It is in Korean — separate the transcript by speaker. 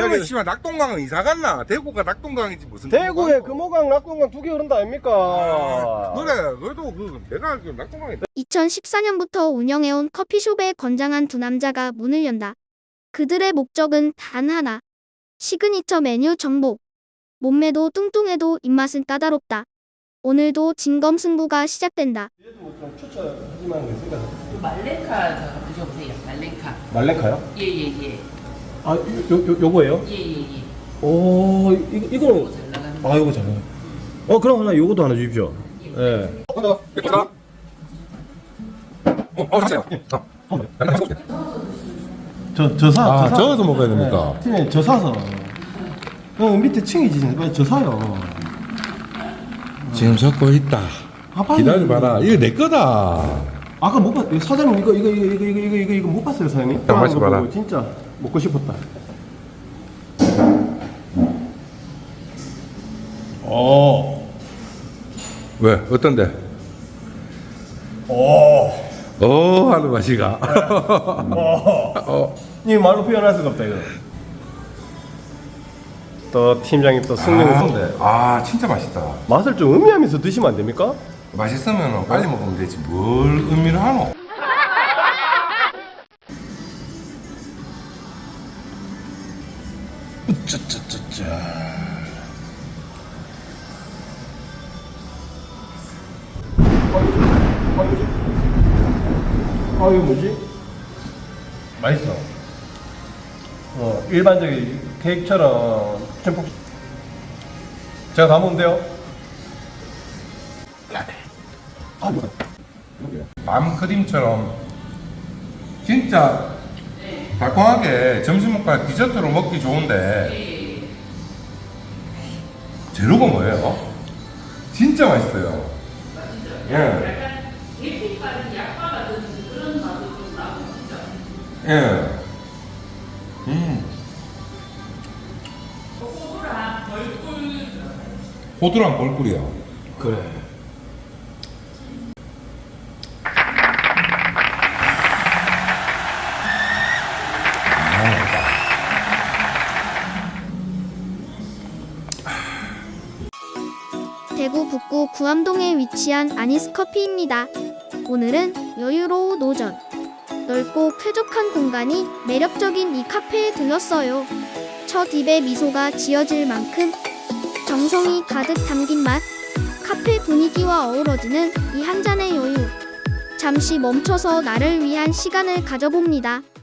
Speaker 1: 그러면 씨발 낙동강은 이사 갔나? 대구가 낙동강이지 무슨.
Speaker 2: 대구에 금호강, 낙동강 두 개 흐른다 아닙니까?
Speaker 1: 그래, 그래도 내가 그 낙동강에
Speaker 3: 2014년부터 운영해온 커피숍에 건장한 두 남자가 문을 연다. 그들의 목적은 단 하나. 시그니처 메뉴 정복. 몸매도 뚱뚱해도 입맛은 까다롭다. 오늘도 진검승부가 시작된다.
Speaker 2: 얘도 좀 추천하지 말고 있으니까.
Speaker 4: 말레카 드셔보세요. 말레카.
Speaker 2: 말레카요?
Speaker 4: 예예예.
Speaker 2: 아, 요거예요?
Speaker 4: 예예예.
Speaker 2: 오, 이거는.
Speaker 4: 잘 나가는.
Speaker 2: 아, 요거 잘 나가요. 그럼 하나, 요것도 하나 주십시오. 예. 저 사.
Speaker 1: 저어서 먹어야 됩니까?
Speaker 2: 팀에 저 사서. 밑에 층이지. 빨리 저 사요.
Speaker 1: 지금 적고 있다.
Speaker 2: 아, 빨리.
Speaker 1: 기다려봐라. 이거 내 거다.
Speaker 2: 아까 못 봤, 사장님 이거 못 봤어요, 사장님?
Speaker 1: 자, 마셔봐라.
Speaker 2: 보고 진짜 먹고 싶었다.
Speaker 1: 왜? 어떤데? 하는 맛이가.
Speaker 2: 이 말로 표현할 수가 없다 이거. 또 팀장님 또 승리는
Speaker 1: 진짜 맛있다.
Speaker 2: 맛을 좀 음미하면서 드시면 안 됩니까?
Speaker 1: 맛있으면 빨리 먹으면 되지. 뭘 의미를 하노?
Speaker 2: 짜짜짜짜. 이거 뭐지? 맛있어. 일반적인 케이크처럼 듬뿍. 제가 다 먹는데요.
Speaker 1: 밤 크림처럼 진짜 달콤하게 점심 먹고 디저트로 먹기 좋은데 재료가 뭐예요? 진짜 맛있어요. 예. 예. 호두랑 벌꿀이요.
Speaker 2: 그래.
Speaker 3: 대구 북구 구암동에 위치한 아니스커피입니다. 오늘은 여유로운 오전. 넓고 쾌적한 공간이 매력적인 이 카페에 들렀어요. 첫 입에 미소가 지어질 만큼 정성이 가득 담긴 맛. 카페 분위기와 어우러지는 이 한 잔의 여유. 잠시 멈춰서 나를 위한 시간을 가져봅니다.